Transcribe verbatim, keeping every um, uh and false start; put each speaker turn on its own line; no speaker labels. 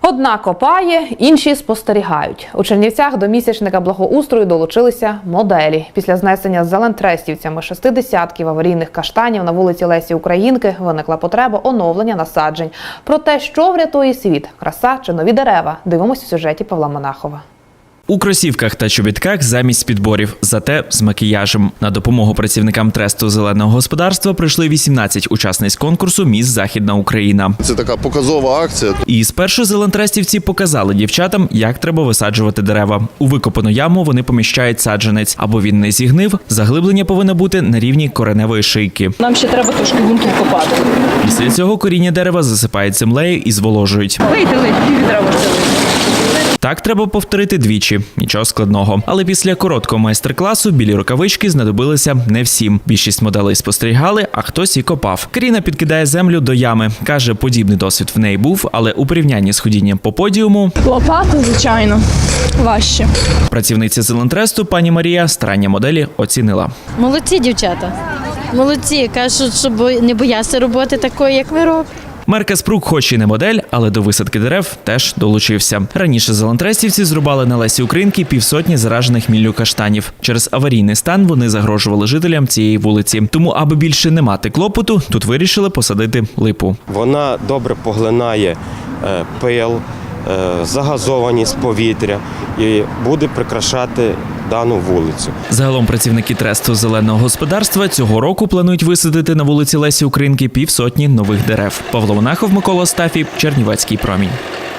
Одна копає, інші спостерігають. У Чернівцях до місячника благоустрою долучилися моделі. Після знесення зелентрестівцями шестидесятків аварійних каштанів на вулиці Лесі Українки виникла потреба оновлення насаджень. Про те, що врятує світ – краса чи нові дерева – дивимося у сюжеті Павла Монахова.
У кросівках та чобітках замість підборів, зате з макіяжем. На допомогу працівникам тресту зеленого господарства прийшли вісімнадцять учасниць конкурсу «Міс Західна Україна».
Це така показова акція.
І спершу зелентрестівці показали дівчатам, як треба висаджувати дерева. У викопану яму вони поміщають саджанець. Аби він не зігнив, заглиблення повинно бути на рівні кореневої шийки.
Нам ще треба трошки ґрунту вкопати.
Після цього коріння дерева засипають землею і зволожують.
Вийти, пів відра води.
Так треба повторити двічі. Нічого складного. Але після короткого майстер-класу білі рукавички знадобилися не всім. Більшість моделей спостерігали, а хтось і копав. Каріна підкидає землю до ями. Каже, подібний досвід в неї був, але у порівнянні з ходінням по подіуму...
Лопата, звичайно, важче.
Працівниця Зелентресту пані Марія старання моделі оцінила.
Молодці дівчата. Молодці. Кажуть, щоб не боятися роботи такої, як ви робите.
Марка Спрук хоч і не модель, але до висадки дерев теж долучився. Раніше зелентрестівці зрубали на Лесі Українки півсотні заражених міллю каштанів. Через аварійний стан вони загрожували жителям цієї вулиці. Тому, аби більше не мати клопоту, тут вирішили посадити липу.
Вона добре поглинає е, пил, е, загазованість повітря і буде прикрашати дану вулицю.
Загалом працівники тресту зеленого господарства цього року планують висадити на вулиці Лесі Українки півсотні нових дерев. Павло Монахов, Микола Стафій, Чернівецький промінь.